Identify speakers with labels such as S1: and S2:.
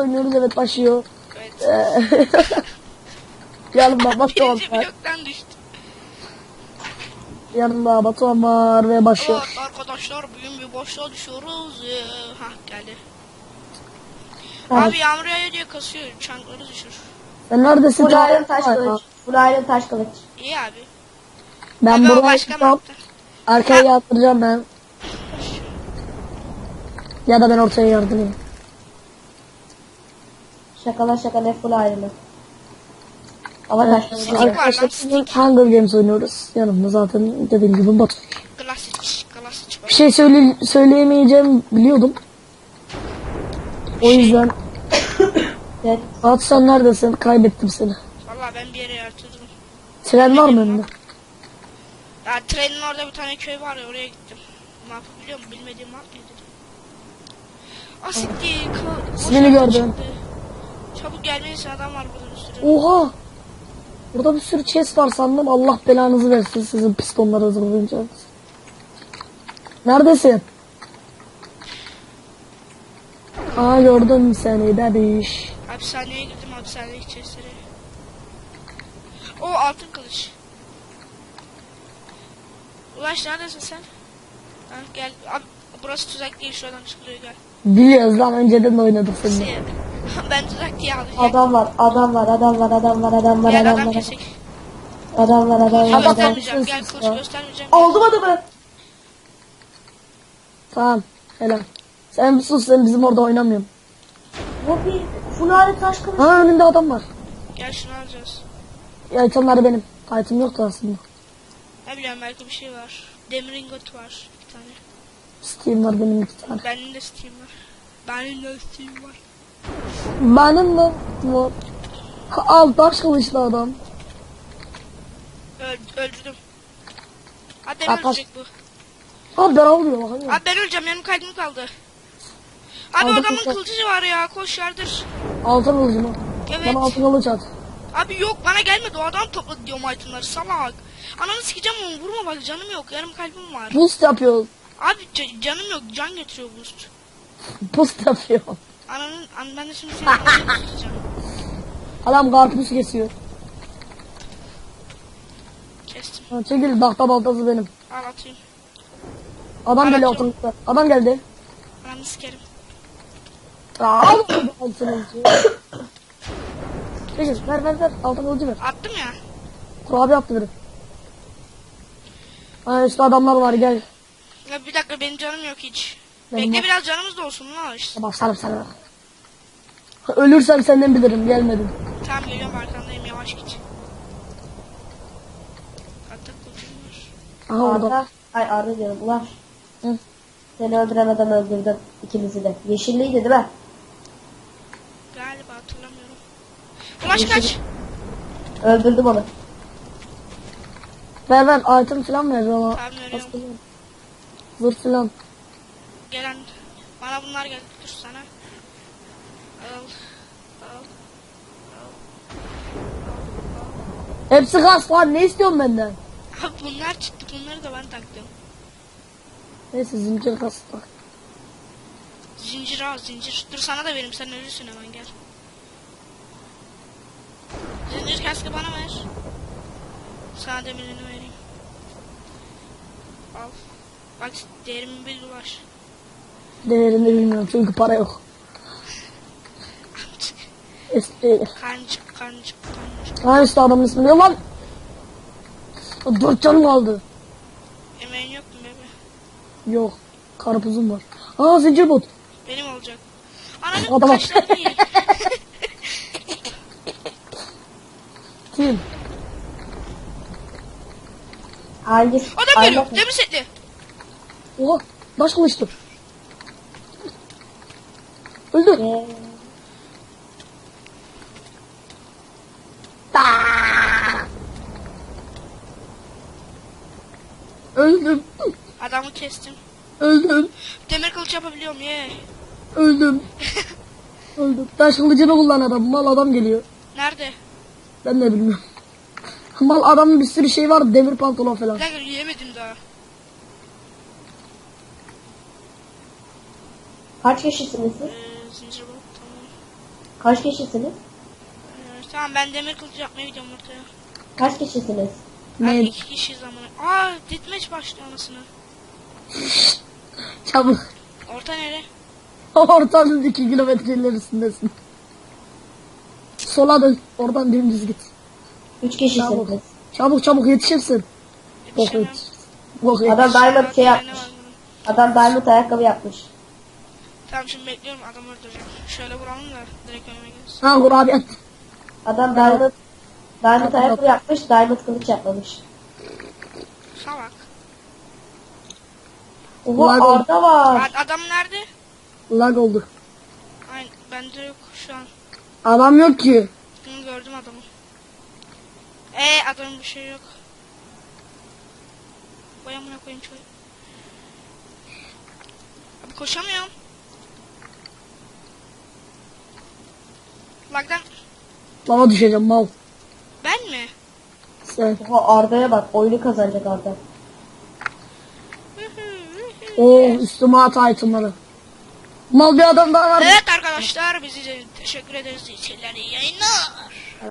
S1: oynuyoruz, evet başlıyor.
S2: Evet.
S1: Yanımda Batuhan
S2: Birinci
S1: var.
S2: bloktan düştü.
S1: Yanımda Batuhan var ve başlıyor.
S2: Evet arkadaşlar bugün bir boşluğa düşüyoruz. Hah geldi.
S1: Evet.
S2: Abi yağmur yağıyor diye kasıyor. Çankları düşür.
S1: Sen neredesin?
S3: Full Iron taş
S1: Aa,
S3: kılıç. Full Iron taş kılıç.
S2: İyi abi.
S1: Ben
S2: Aga, o
S1: burayı
S2: başka
S1: tutam.
S2: mapta.
S1: Arkaya yatıracağım ben. Ya da ben ortaya yardırayım.
S3: Şakala şakala full Iron'ı. Ama taş kılıç.
S2: Stick
S3: var.
S2: var lan,
S1: Arkadaşlar
S2: stick.
S1: bugün Hunger Games oynuyoruz. Yanımda zaten dediğim gibi Batu.
S2: Klasik var.
S1: Bir şey söyleyemeyeceğim biliyordum. O yüzden
S3: Evet.
S1: Batu sen neredesin? Kaybettim seni.
S2: Valla ben bir yere yatırdım.
S1: Tren var mı önünde?
S2: Ya trenin orada bir tane köy var ya, oraya gittim. Mapı biliyor musun? Bilmediğim map nedir? Asitli.
S1: İsmini gördüm.
S2: Çabuk gelmelisin, adam var burada bir sürü.
S1: Oha! Burada bir sürü chest var sandım. Allah belanızı versin sizin pistonları hazırlayacağınız. Neredesin? Aa gördüm seni bebiş.
S2: Hapishaneye girdim, hapishane içerisine. O altın kılıç. Ulaş neredesin sen? Ha, gel. Abi, burası tuzak değil, şuradan çıkılıyor, gel.
S1: Biliyoruz lan, önceden de oynadık seninle.
S2: Ben tuzak diye alacağım.
S3: Adam var. Adam var. Adam var. Adam var. Adam var.
S2: Gel
S3: Adam
S2: adam
S3: var.
S2: kesek.
S3: Adam var. Adam var.
S2: Kılıç
S1: Adam
S3: Adam.
S2: göstermeyeceğim, gel
S1: sus
S2: kılıç
S1: ya.
S2: göstermeyeceğim.
S3: Oldu mu adamı?
S1: Tamam helal. Sen bir sus, sen bizim orada oynamıyorsun.
S3: Bu bir full Iron taş kılıç.
S1: Ha önünde adam var.
S2: Gel şunu alacağız.
S1: Ya itemler benim. Item yoktu aslında.
S2: Ne bileyim, belki bir şey var. Demir ingot var bir tane.
S1: Steam var benim 2 tane.
S2: Benim de Steam var. Benim de Steam var.
S1: Benim de var. Al taş kılıçlı adam.
S2: Öldürdüm. Hadi
S1: Ya,
S2: ölecek bu.
S1: Abi ben almıyorum bakayım.
S2: Abi ben öleceğim, yanım kalbim kaldı. Abi
S1: Aldım
S2: adamın
S1: kılıcı.
S2: kılıcı var ya, koş yardır.
S1: Altın kılıcımı.
S2: Evet.
S1: Bana altın kılıç at.
S2: Abi yok, bana gelmedi, o adam topladı diyorum itemları, salak. Ananı sikeceğim onu, vurma bak, canım yok, yarım kalbim var.
S1: Boost yapıyor.
S2: Abi canım yok, can getiriyor boost.
S1: Boost yapıyor.
S2: Ben de şimdi seni ananı tutacağım.
S1: Adam karpuz kesiyor.
S2: Kestim.
S1: Ha, çekil, tahta baltası benim.
S2: Al atayım.
S1: Adam geliyor
S2: Atıyorum.
S1: altın. Adam geldi.
S2: Ananı sikerim.
S1: Al altın kılıcı. Çekil, ver altın kılıcı ver.
S2: Attım ya.
S1: Kurabiye yaptı biri. Ha işte adamlar var, gel.
S2: Ya bir dakika, benim canım yok hiç.
S1: Benim
S2: Bekle
S1: var.
S2: biraz, canımız da olsun lan işte.
S1: Başlarım sana. Ölürsem senden bilirim, gelmedim.
S2: Tamam geliyorum, arkandayım, yavaş git. Atak kılıcım var.
S1: Aha orada.
S3: Arda. Ay Arda diyorum. Ulaş.
S1: Hı.
S3: Seni öldüren adam öldürdüm. İkimizi de. Yeşilliydi değil mi?
S2: Galiba hatırlamıyorum. Ulaş kaç.
S3: Öldürdüm onu.
S1: Ver item falan ver ona.
S2: Tamam, veriyorum.
S1: Zırh falan.
S2: Gelen bana bunlar geldi, dur sana. Al.
S1: Hepsi gaz var, ne istiyorsun benden?
S2: Abi bunlar çıktı, bunları da ben taktım.
S1: Neyse zincir kastı.
S2: Zincir al, zincir. Dur sana da vereyim, sen ölürsün hemen, gel. Zincir kaskı bana ver. Sana demirini vereyim. Al. Bak değerimi bil, Ulaş.
S1: Değerini bilmiyorum çünkü para yok. Eski.
S2: Kancık.
S1: Ha işte adamın ismi ne lan? 4 canım kaldı.
S2: Emeğin yok mu bebe?
S1: Yok. Karpuzum var. Aa zincir bot.
S2: Benim olacak. Ananın
S1: Adama-
S2: kaşları değil.
S1: Kim?
S3: Hangisi?
S2: Adam geliyor,
S3: Arda-
S2: demir setli.
S1: Oha. Baş kılıçtı. Öldü. Öldüm.
S2: Adamı kestim.
S1: Öldüm.
S2: Demir kılıç yapabiliyorum ye.
S1: Öldüm. Öldüm. Taş kılıcını kullan adam. Mal adam geliyor.
S2: Nerede?
S1: Ben de bilmiyorum. Mal adamın bir sürü şey var. Demir pantolon falan.
S2: Bir dakika, yiyemedim daha.
S3: Kaç kişisiniz siz?
S2: Zincir bot, tamam.
S3: Kaç kişisiniz?
S2: Tamam ben demir kılıcı yapmaya gidiyorum ortaya.
S3: Kaç kişisiniz?
S2: Abi
S1: Ne?
S2: 2 kişiyiz amına. Aa ditmeç başlıyor anasını.
S1: Çabuk.
S2: Orta nere?
S1: Ortanın 2 kilometre ilerisindesin. Sola dön. Oradan dümdüz git.
S3: 3 kişisiniz.
S1: Çabuk. Çabuk çabuk yetişirsin. Bok
S2: Yetişemem.
S1: yetiş. Bok
S3: Adam
S1: yetiş.
S3: diamond şey
S2: Ne
S3: yapmış.
S2: var bunun?
S3: Adam diamond ayakkabı yapmış.
S2: Tamam şimdi bekliyorum adamı öldüreceğim. Şöyle vuralım da direkt önüme gelsin.
S1: Ha kurabiyet.
S3: Adam diamond
S1: Tamam.
S3: ayakkabı yapmış, diamond kılıç yapmamış.
S2: Salak.
S3: Oha
S1: Lag oldu.
S3: Arda var.
S2: Adam nerede?
S1: Lag oldu.
S2: Aynen bende yok şu an.
S1: Adam yok ki.
S2: Bunu gördüm adamı. Adamın bir şey yok. Vay amına koyayım şöyle. Abi koşamıyorum. Lagdan
S1: Lava düşeceğim mal.
S2: ben mi?
S1: Sen.
S3: Oha Arda'ya bak, oyunu kazanacak Arda.
S1: Oo üstüme at itemları. Mal bir adam daha var.
S2: Evet arkadaşlar bizi teşekkür ederiz. İyi seyirler, iyi yayınlar.